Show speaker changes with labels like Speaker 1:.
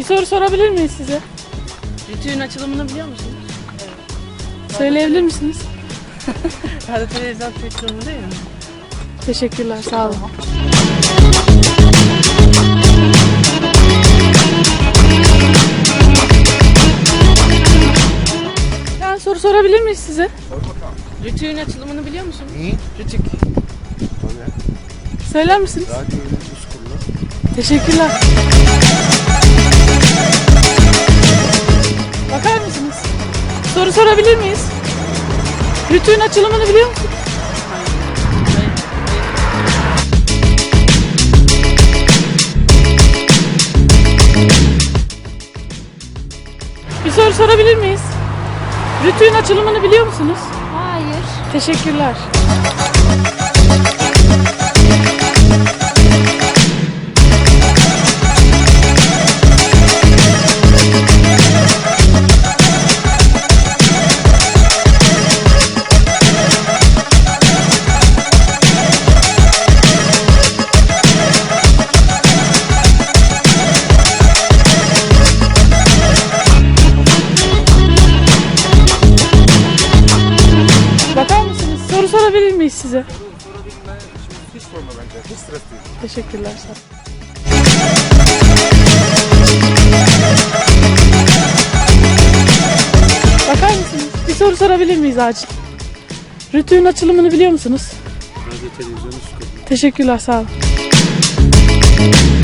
Speaker 1: soru sorabilir miyiz size?
Speaker 2: Rütü'nün açılımını biliyor musunuz?
Speaker 1: Söyleyebilir misiniz?
Speaker 2: Radyo televizyon açılımı değil mi?
Speaker 1: Teşekkürler, sağ olun. Ben soru sorabilir miyiz size?
Speaker 2: Rütü'nün açılımını biliyor musunuz? Rütük.
Speaker 1: Söyler misiniz?
Speaker 3: Radyo Yönetim Kurulu.
Speaker 1: Teşekkürler. Bakar mısınız? Soru sorabilir miyiz? Rütü'nün açılımını biliyor musunuz? Bir soru sorabilir miyiz? Rütü'nün açılımını biliyor musunuz?
Speaker 4: Hayır.
Speaker 1: Teşekkürler. Bakar mısınız? Soru sorabilir miyiz size?
Speaker 3: Sorabilme, hiç sorma bence. Hiç stres değil.
Speaker 1: Teşekkürler. Sağ olun. Bakar mısınız? Bir soru sorabilir miyiz acil? Rütü'nün açılımını biliyor musunuz?
Speaker 3: Radyo Televizyon Kurulu.
Speaker 1: Teşekkürler, sağ olun.